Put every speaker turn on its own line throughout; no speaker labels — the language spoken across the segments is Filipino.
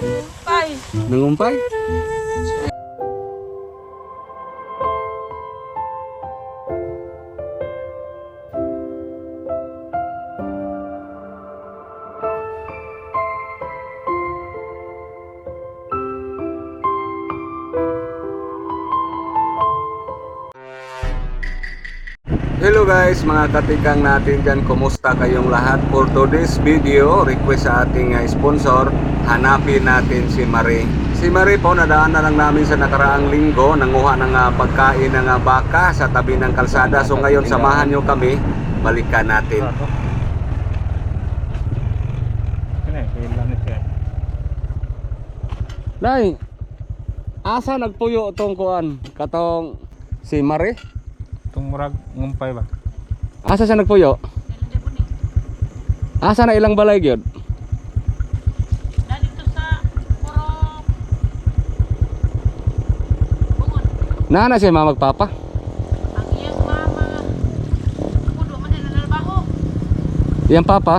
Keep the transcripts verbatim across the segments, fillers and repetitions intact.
Nangumpay.
Nangumpay? Hello guys, mga katikang natin dyan, kumusta kayong lahat? For today's video, request sa ating uh, sponsor, hanapin natin si Marie. Si Marie po, nadaan na lang namin sa nakaraang linggo, nanguha ng uh, pagkain ng uh, baka sa tabi ng kalsada. So ngayon, samahan nyo kami, balikan natin. Nay, asa nagpuyo itong kuan? Katong si Marie?
Itong murag ngumpay ba?
Asa siya nagpuyo? Asa na ilang balay gyud?
Dito sa puro bungon.
Nana siya mga magpapa?
Ang iyang mama. Pudo man na nalabaho.
Iyang papa?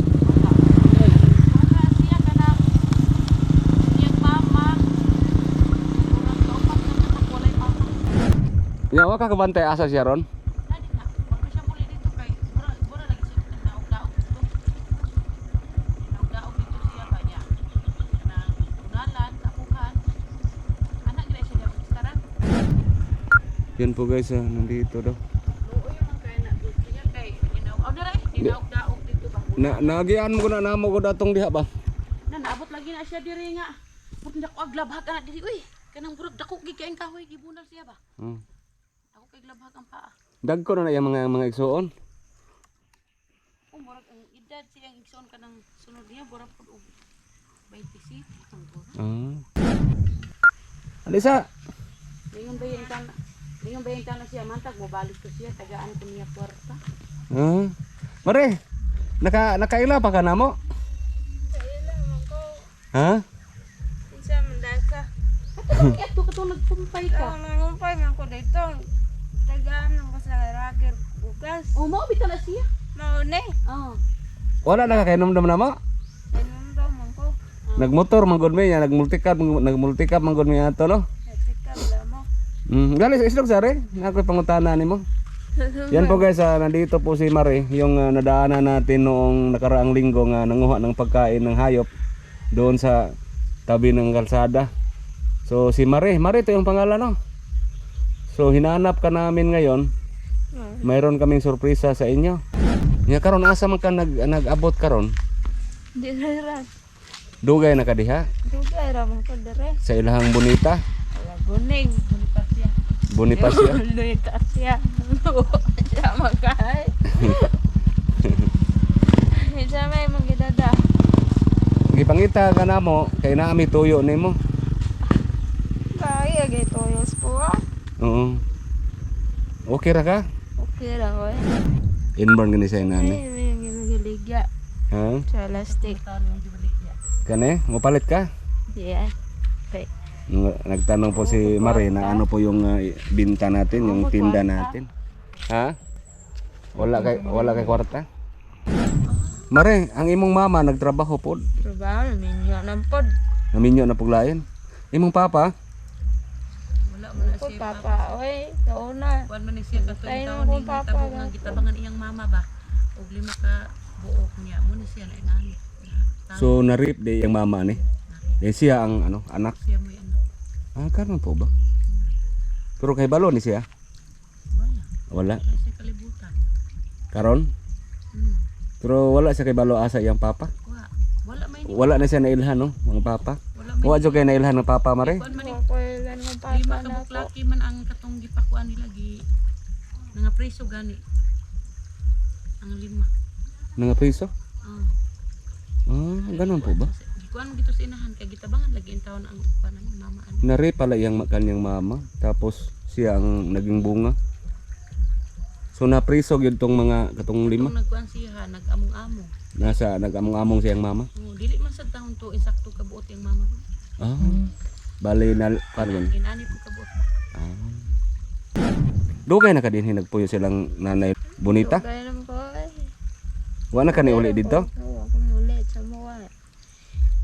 Wala siya kanang iyang mama. Murag kaupat na naman walay papa.
Ya, wa ka kabantay asa siya ron?
Dali na. Wag na siya muli dito kay mura mura lagi siya nagdaog-daog dito. Nagdaog dito siya ba niya. Kanang unalan, kapukan. Anak gina siya dapat istaran.
Yan po guys, ah, nandito daw.
Oo yun ang kaya na dito niya kay inaw. Oh dere, inaog-daog dito ba?
Na nagian mo ko na namo ko datong diha ba?
Na naabot lagi na siya diri nga. Pud na ko aglabhag na diri uy. Kanang burag dako gi kaing kahoy gibunal siya ba?
Hmm.
Ako kay glabhag ang paa.
Dagko na na yung mga mga igsuon.
Oh murag ang edad siyang igsoon kanang sunod niya burag pud og twenty-six ang burag.
Ah. Alisa.
Lingon ba yung tan? Lingon ba yung tan na siya mantag mo balik ko siya tagaan ko niya kwarta.
Ah. Mare. Naka nakaila pa ka namo?
Kaila man ko.
Ha?
Kinsa man ka? Ato ato kato nagpumpay ka.
Nangumpay man ko dito. Tagaan ng ko sa rager bukas.
Oh mao bitaw na siya.
Maune.
Oh.
Wala na kakainom na namo?
Nanumdaw man ko.
Nagmotor manggod mi, ya nagmultikap nagmultikap manggod mi ato no.
Nasikab lang mo.
Mm, gali sa islog sare, nakoy pangutana nimo. Yan po guys, ah, nandito po si Marie, yung ah, nadaanan natin noong nakaraang linggo nga nanguha ng pagkain ng hayop doon sa tabi ng kalsada. So si Marie, Marie ito yung pangalan no. So hinanap ka namin ngayon. Mayroon kaming sorpresa sa inyo. Nya karon asa man ka nag nag-abot karon?
Di ra.
Dugay na ka diha
Dugay ra man ko dere.
sa ilahang bonita,
Wala guning. Bulipas siya.
Bonifacio.
Bulipas siya. Siya magkay. Isa may magidada.
Gipangita ka na mo kay naami tuyo nimo.
Kaya gito yung school.
Oo. Okay ra ka?
Okay lang ko.
Inborn gani sa nani.
Ay, may giligya.
Ha?
Sa elastic.
Kani, mopalit ka?
Diyan. Okay.
Ng- Nagtanong po si Marie na ano po yung uh, binta natin, yung tinda natin. Ha? Wala kay wala kay kwarta? Marie, ang imong mama nagtrabaho po.
Trabaho minyo ng pod.
Naminyo na puglayan. Imong papa,
Wala man na
Pod
siya.
papa, oy, kauna.
Kuan man ni siya katuig
Tayo
taon
mo,
ni
papa,
tabo
ba?
nga gitabangan iyang mama ba. Og lima ka buok niya mo ni siya na inani.
so na-rape di yung mama ni. Eh siya ang ano, anak.
Siya mo yan.
Ah, karon po ba? Pero kay balo ni siya.
Wala.
Wala.
Kasi kalibutan.
Karon?
Hmm.
Pero wala siya kay balo asa iyang papa.
Wa. Wala may ni.
Wala na siya nailhan no, mga papa.
Wala may.
Wa jud kay nailhan ng papa Marie.
Kuan man ni.
Ako ilan ng papa
Lima ka
na ako.
buklaki man ang katong gipakuan nila gi nga preso gani. Ang lima.
Nga piso?
Oh.
Ah, ganun po ba?
Gikuan mo gito sa inahan kay gitabangan lagi ang taon ang kuan ang mama ani.
Na-rape pala yung ma- kanyang mama. Tapos siya ang naging bunga. So naprisog yun tong mga katong lima.
Kung nagkuan siya nag-among-among.
Nasa nag-among-among siyang mama.
Oh, dili man sad taon to insakto kabuot yung mama ko.
Ah. Bali na karon.
Inani po kabuot ba.
Ah. Dugay na ka din hinagpuyo silang nanay bonita.
Kaya naman ko, ay.
Wa na ka ni uli dito.
Oo, ako mulit sa mga. Di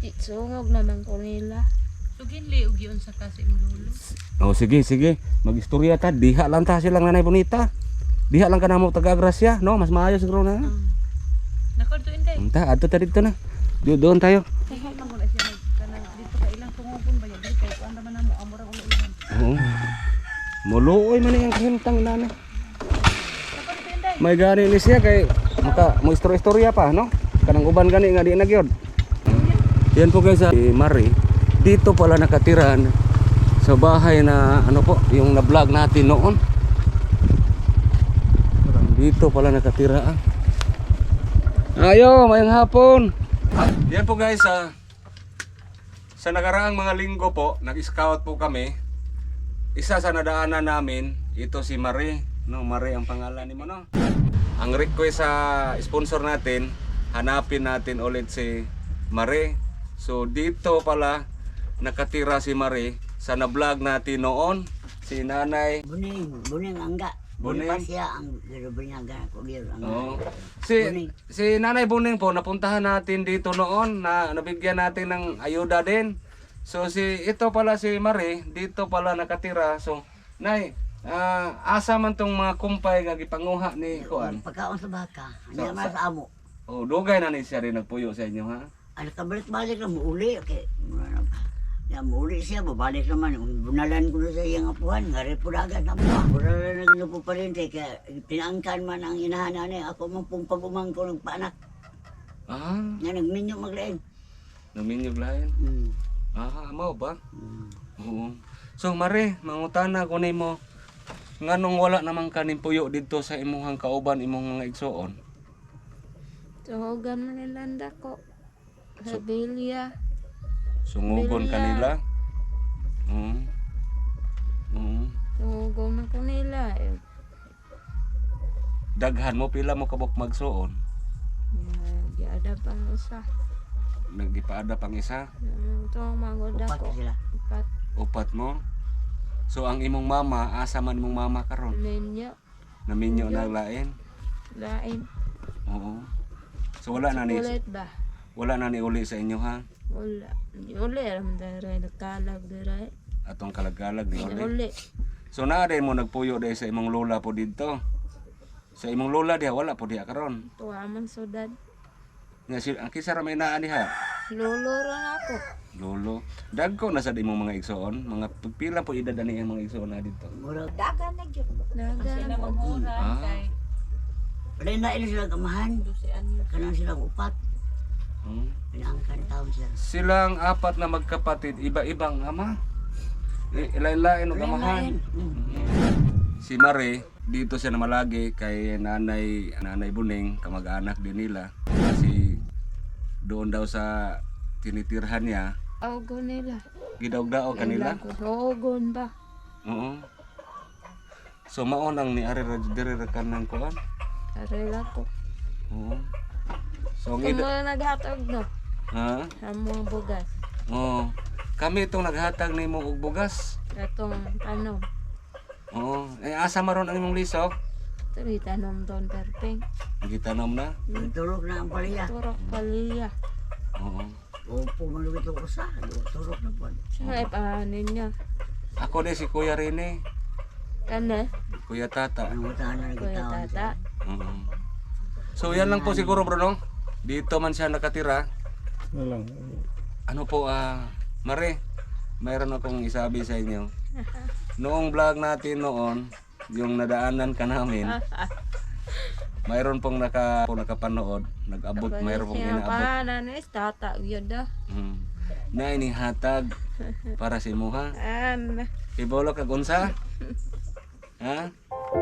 Sungog naman ko nila.
So ginli og yun sa kasi mo lolo.
Oh sige sige, magistorya ta, diha lang ta silang nanay bonita. Diha lang ka na mo taga-Grasya, no? Mas maayo siguro na.
Um, Nakadto inday.
Unta, adto ta dito na. Do doon tayo.
Kaya lang mo na siya nag kanang dito ka ilang tungogon ba yan dito kung anda man namo amura ulo ilan.
Oo. Muluoy man yang kahintang nana.
Nakadto inday.
May gani ni siya kay maka mo istorya pa, no? Kanang uban gani nga di na gyud. Yan po guys, si Mari. Dito pala nakatira sa bahay na ano po, yung na-vlog natin noon. Dito pala nakatira. ah. Ayo, mayang hapon. Yan po guys, ah, sa nakaraang mga linggo po, nag-scout po kami. Isa sa nadaanan namin, ito si Mari. No, Mari ang pangalan ni mo, no? Ang request sa sponsor natin, hanapin natin ulit si Mari. So dito pala nakatira si Mari sa na-vlog natin noon, si Nanay.
Buning, buning angga.
Buning?
Buning pa siya ang binyaga ko gil.
Oo. Si
Buning.
si Nanay Buning po napuntahan natin dito noon na nabigyan natin ng ayuda din. So si ito pala si Mari, dito pala nakatira. So Nay, ah, asa man tong mga kumpay nga gipanguha ni kuan.
Pagkaon sa baka.
So,
Hindi naman
sa-
sa amo.
Oh, dugay na ni siya rin nagpuyo sa inyo ha.
Ano kabalik-balik lang, muuli. Okay. Ya, muuli siya, babalik naman. Bunalan ko na sa iyang apuhan. Ngari po na agad na po. Bunalan na ginupo pa rin. Kaya pinaangkan man ang inahanan niya. Ako man pong pag-umang ko nagpaanak.
Ah,
Nga nagminyo maglain.
naminyog lain.
Hmm.
Ah, amo ba?
Hmm.
Oo. So Mari, mangutana ko nimo. Nganong wala namang kanin puyo dito sa imuhang kauban imong mga igsoon?
Tuhogan mo nilanda ko. Sa bilya.
Sungugon
Bilya.
kanila. Oo. Oo.
Tuhogan na ko nila. Eh.
Daghan mo pila mo kabok magsuon.
Nagyada pang isa.
Nagipaada pang isa,
Ito ang magoda
Upat
ko.
sila.
Ipat
upat mo. So ang imong mama, asa man imong mama karon?
ninyo.
Naminyo na lain.
Lain.
Oo. So wala na ni
Ulit ba?
wala na ni uli sa inyo ha.
Wala. Uli. Alam daray. Nagkalag daray.
Atong kalagalag ni uli.
Uli.
So naa din mo nagpuyo dahil sa imong lola po dito. Sa imong lola diha wala po diha karon.
Tuwa man sudad.
Nga si ang kisa ra may naa diha.
Lolo ron ako.
Lolo. Dagko na sa imong mga igsoon, mga pila po edad ani ang mga igsoon na dito.
Murag.
Dagan.
Sila mamura
Ah.
kay
Wala na ilo sila kamahan.
dusi anyo.
Kanang silang upat.
Hmm.
Pinaangkan taon siya.
Silang apat na magkapatid, iba-ibang ama. I- Ilain-lain og amahan.
Hmm.
Si Mari, dito siya namalagi kay nanay nanay Buning, kamag-anak din nila. Kasi doon daw sa tinitirhan niya,
Augo nila.
gidaog-daog kanila.
Tuhogon ba?
Oo. So mao nang ni ari ra diri ra kanang kuan.
Arela ko.
Oo. So ang
Kung
ida-
mga naghatag no.
ha?
Sa mga bugas.
Oo. Kami itong naghatag nimo og bugas.
Katong tanom.
Oo. Eh asa maron ang imong lisok?
Tuloy tanom doon perpeng.
Gitanom na.
Turok na ang paliya.
Turok paliya.
Oo.
Opo, malugit ang usa. Turok na po.
Saan ay pahanin niya?
Ako din si Kuya Rene,
Kana?
Kuya Tata.
Ang utahan na
Kuya
nagitawan
tata.
Oo. So yan lang po siguro Bruno. Dito man siya nakatira.
Wala lang.
Ano po ah Mare, mayroon akong isabi sa inyo. Noong vlog natin noon, yung nadaanan ka namin, mayroon pong naka po nakapanood, nag-abot, mayroon pong
Siya
inaabot.
pahanan is tata. Yun da.
Hmm. Na inihatag para si Muha.
An.
Ibolo kag unsa? Ha?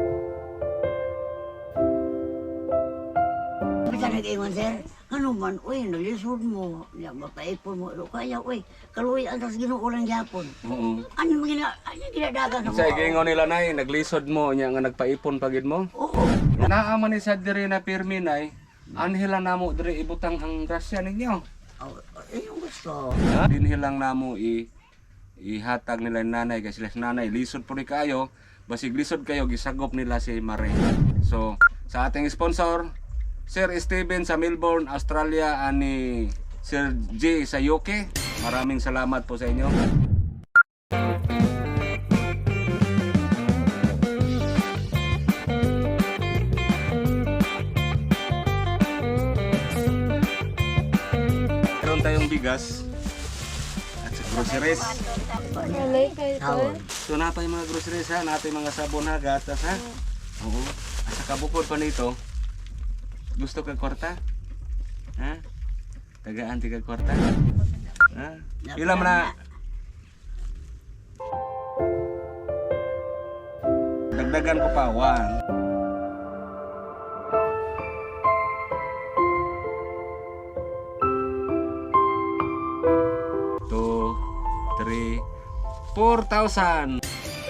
Bisa nag-iwan sir. Ano man, uy, nalisod mo. Ya, mapaipon mo. Ilo kaya, uy, kaluwi ang tas ginuulang yapon.
Oo.
Ano yung gina, ano yung ginadagan sa
Sa gingon nila nay, naglisod mo nya nga nagpaipon pagid mo.
Oo.
Naaman ni sa diri na pirmi nay, anhila namo diri ibutang ang grasya ninyo.
Oh, eh, yung gusto.
Ha? Dinhilang namo i ihatag nila yung nanay kasi sila si nanay lisod po ni kayo, basig lisod kayo gisagop nila si Mare. So, sa ating sponsor, Sir Steven sa Melbourne, Australia ani Sir J. Sayoke. Maraming salamat po sa inyo. Meron tayong bigas at sa groceries.
Alay kayo to.
Tawon.
So na pa yung mga groceries ha, natin mga sabon ha, gatas ha. Oo. At saka bukod pa nito, gusto kag kwarta? Ha? Tagaan ti kag kwarta? Ha? Pila man na? Dagdagan ko pa, one. Two, three, four thousand.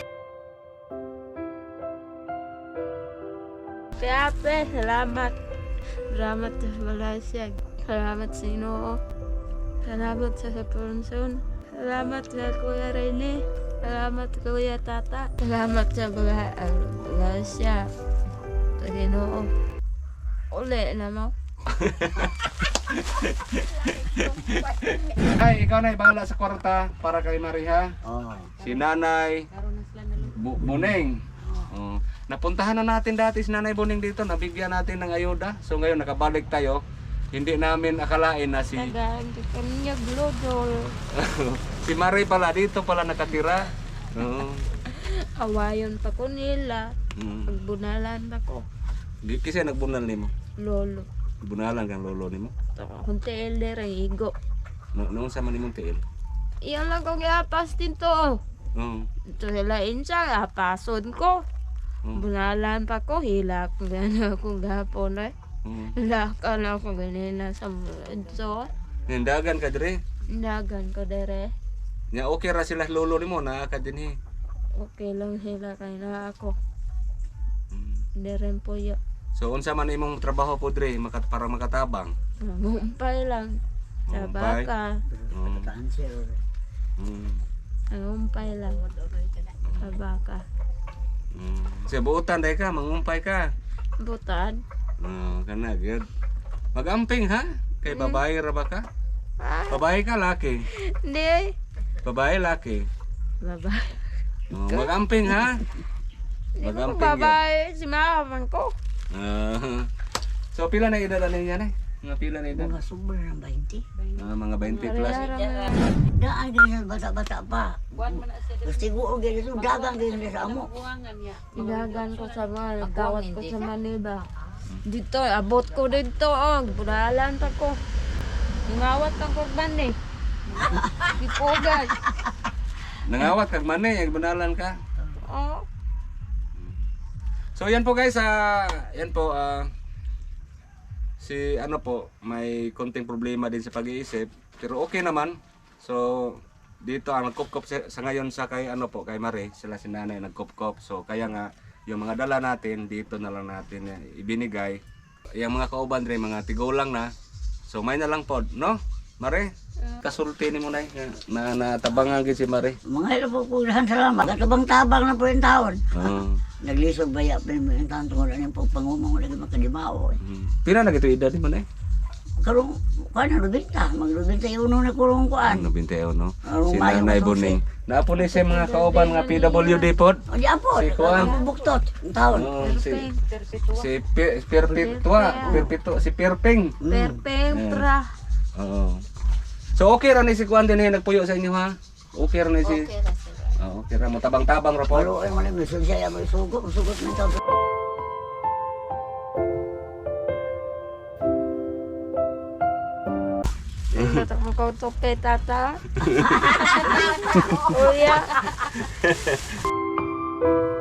Kaya pe, salamat. Salamat sa Malaysia. Salamat sa Inoo. Salamat sa Sapunson. Salamat sa Kuya Rene. Salamat sa Kuya Tata. Salamat sa mga uh, Malaysia. Sa Inoo. Uli na mo.
Ay, ikaw na bahala sa kwarta para kay Maria.
Oo.
Si Nanay
Karoon na sila na
Bu- Buneng. Oh. Napuntahan na natin dati si Nanay Buneng dito, nabigyan natin ng ayuda. So ngayon nakabalik tayo. Hindi namin akalain na si
Tagaan ka kanya glodol.
si Marie pala dito pala nakatira. Oo.
Awayon pa ko nila.
Mm.
Pagbunalan ako.
Di kasi nagbunal nimo.
Lolo.
Bunalan kang lolo nimo.
Kunti elder ang igo.
No, noon sa man nimong tiil.
Iyan lang kong iapas din to.
Oo.
Ito sila insa, apason ko.
Oo.
Bunalan pa ko, hilak gana ako gapon eh.
Oo.
Hilakan ako ganina sa so
Nindagan ka dire.
Dagan ko dere.
Nya okay ra sila lolo nimo na ka dinhi.
Okay lang sila kay na ako.
Mm.
Dere po ya.
So unsa man imong trabaho po dire makat para makatabang?
Nangumpay lang. Sa
Nangumpay?
baka.
Oo.
Cancer.
Mm.
Nangumpay lang. Sa baka.
Mm. Sa buutan dai ka, mangumpay ka.
Butan.
Oh, kana good. Magamping ha? Kay babae ra ba ka?
Ah,
Babae ka laki.
hindi.
Babae laki.
Babae.
Oh, magamping ha?
Hindi ko
Magamping.
babae. Si mama ko.
Ah. So pila na edad ani yan eh? Mga pila na edad?
Mga sobra ng twenty.
Ah, mga twenty plus.
Daan din sa bata-bata pa.
Buwan man na siya.
Gusto ko gani so dagang gani sa amo.
Buwangan niya.
Ilagan ko sa mga nagkawat ko sa Manila. Dito, abot ko dito. Oh, budalan pa ko. Ngawat ang korban eh. Ipogas.
Nangawat kag man eh, bunalan ka.
Oh,
So yan po guys, ah, yan po ah, si ano po, may konting problema din sa pag-iisip, pero okay naman. So dito ang nagkupkop sa, sa ngayon sa kay ano po, kay Marie, sila si Nanay nagkupkop. So kaya nga yung mga dala natin dito na lang natin eh, ibinigay. Yung mga kauban rin, mga tigulang na. So may na lang po, no? Marie, kasulti ni mo na na natabangan gid si Marie.
Mga ilo po kulang salamat. Katabang-tabang na po yung taon.
Oo.
Naglisod baya pa mo yung taon tungkol ano yung pagpangumang lagi makadimao. Eh.
Mm. Pila na gito edad ni mo na?
Karong, kuhan na rubinta. Magrubinta yung unong nakulong kuhan.
Ano binteo no?
Arong
Si
mayo
Nanay
matong
Buning. Naapo ni sa mga kauban nga P W D pod.
O di apo,
Si Kuan.
ang buktot, ang taon.
Oh, si
Perpetua.
si Pi- Perpetua, Perpetua, si Perping.
perpeng pra.
Oo. So okay ra ni si Kuan din eh, nagpuyo sa inyo ha? Okay ra ni si. Oo, okay ra mo tabang-tabang ra po.
Palo ay mo na may siya may sugot, sugot ng taon.
Tatak mo ko tope tata. Kuya.